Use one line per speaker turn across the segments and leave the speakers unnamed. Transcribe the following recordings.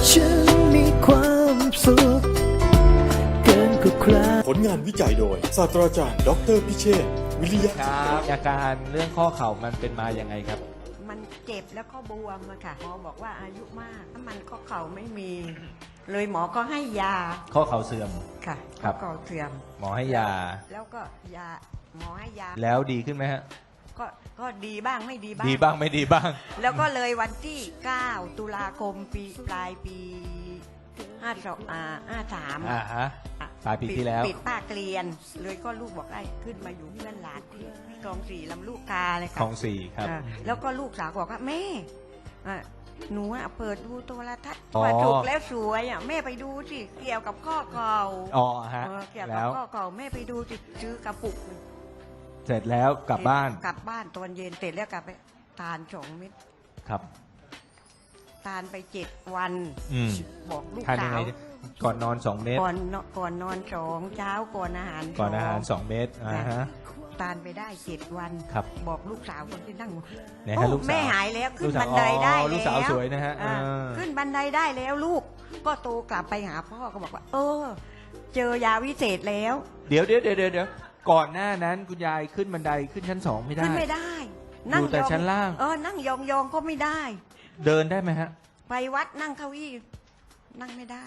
ฉันมีความสุขเกินกว่าใคร
ผลงานวิจัยโดยศาสตราจารย์ดร.พิเชษฐ์วิริยะ
ครับอาการเรื่องข้อเข่ามันเป็นมาอย่างไงครับ
มันเจ็บแล้วก็บวมอะค่ะหมอบอกว่าอายุมากถ้ามันข้อเข่าไม่มี เลยหมอก็ให้ยา
ข้อเข่าเสื่อม
ค่ะ
ครั
ข้อบ เข่าเสื่อม
หมอให้ยา
แล้วก็ยาหมอให้ยา
แล้วดีขึ้นไหมฮะ
ก็ดีบ้างไม่ดีบ้าง
ดีบ้างไม่ดีบ้าง
แล้วก็เลยวันที่ 9 ตุลาคมปลายปี53
อ่าฮะปลายปีที่แล้ว
ปิดป้าเกลียน เลยก็ลูกบอกได้ขึ้นมาอยู่เพื่อนหลานที่คลองสี่ลำลูกกาเลย
ข
ค่ะ
องสี่ครับ
แล้วก็ลูกสาวบอกว่าแม่หนูเปิดดูโทรทัศน์
อ๋อ
ว่าถูกแล้วสวยแม่ไปดูสิเกี่ยวกับข้อเข่า
อ๋อฮะ
เกี่ยวกับ
แล้ว
ข้อเข่าแม่ไปดูสิซื้อกระปุก
เสร็จแล้วกลับบ้าน
กลับบ้านตอนเย็นเสร็จแล้วกลับไปทาน2 เม็ด
ครับ
ทานไป7 วัน
อืม
บอกลูก
ทานยั
สาง
ไง
ว
ก่อนนอน2 เม็ด
ก่อนนอน2เช้าก่อนอาหาร
ก่อนอาหาร2 เม็ดอ่าฮะ
ทานไปได้7 วัน
ครับ
บอกลูกสาวคนที่นั่ง
ไหนฮะลูกสาว
แม่หายแล้วขึ้น
ลูกสาว
บันไดได้
อ๋อ
แล้ว
ลูกสาวสวยนะฮะ
ขึ้นบันไดได้แล้วลูกก็โตกลับไปหาพ่อก็บอกว่า เจอยาวิเศษแล้ว
เดี๋ยวก่อนหน้านั้นคุณยายขึ้นบันไดขึ้นชั้น2ไม่ได้
ขึ้นไม่ได้
อยู่แต่ชั้นล่าง
นั่งยองๆก็ไม่ได้
เดินได้ไหมฮะ
ไปวัดนั่งเก้าอี้นั่งไม่ได้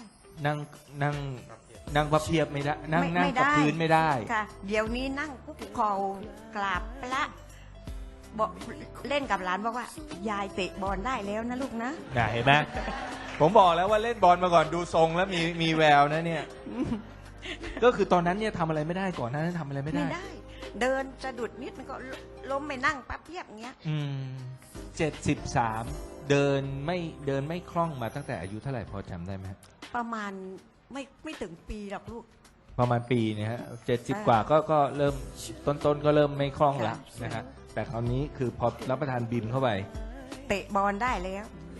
นั่งพับเพียบไม่ได้ นั่ง
ไม่
กับ
ได้
พื้นไม่ได้
ค่ะ เดี๋ยวนี้นั่งคุกเข่ากราบพระบอกเล่นกับหลานบอกว่า ยายเตะบอลได้แล้วนะลูกนะ
น่ะเห็นไหมผมบอกแล้วว่าเล่นบอลมาก่อนดูทรงแล้วมีแววนะเนี่ย ก็คือตอนนั้นเนี่ยทำอะไรไม่ได้ก่อนหน้านั้นทำอะไรไม่ได้
ไม่ได้ เดินสะดุดนิดมันก็ล้มไปนั่งปั๊บเพียบเงี้ย
73เดินไม่คล่องมาตั้งแต่อายุเท่าไหร่พอจำได้ไหมฮะ
ประมาณไม่ถึงปีหรอกลูก
ประมาณปีเนี่ยฮะ70 กว่าก็เริ่มต้นก็เริ่มไม่คล่องแล้วนะฮะแต่คราวนี้คือพอรับประทานบิมเข้าไป
เตะบอลได้แล้ว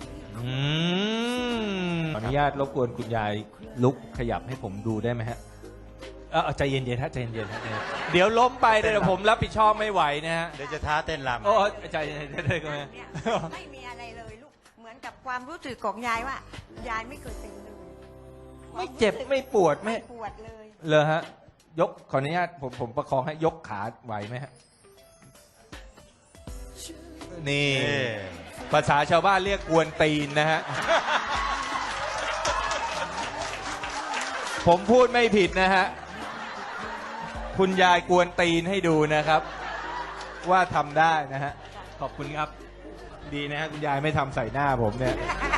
ขออนุญาตรบกวนคุณยายลุกขยับให้ผมดูได้ไหมฮะใจเย็นๆฮะใจเย็นๆเดี๋ยวล้มไปเดี๋ยวผมรับผิดชอบไม่ไหวนะฮะ
เดี๋ยวจะท้าเต้นรำ
โอ้ใจเย็นๆได้ไหม
เนี่ยไม่มีอะไรเลยลูก เหมือนกับความรู้สึกของยายว่า ยายไม่เคยเป็นเลย
ไม่เจ็บไม่ปวดไม่
ปวดเลย
เลยฮะยกขออนุญาตผมประคองให้ยกขาไหวไหมฮะนี่ภาษาชาวบ้านเรียกกวนตีนนะฮะ ผมพูดไม่ผิดนะฮะคุณยายกวนตีนให้ดูนะครับ ว่าทำได้นะฮะขอบคุณครับ ดีนะฮะคุณยายไม่ทำใส่หน้าผมเนี่ย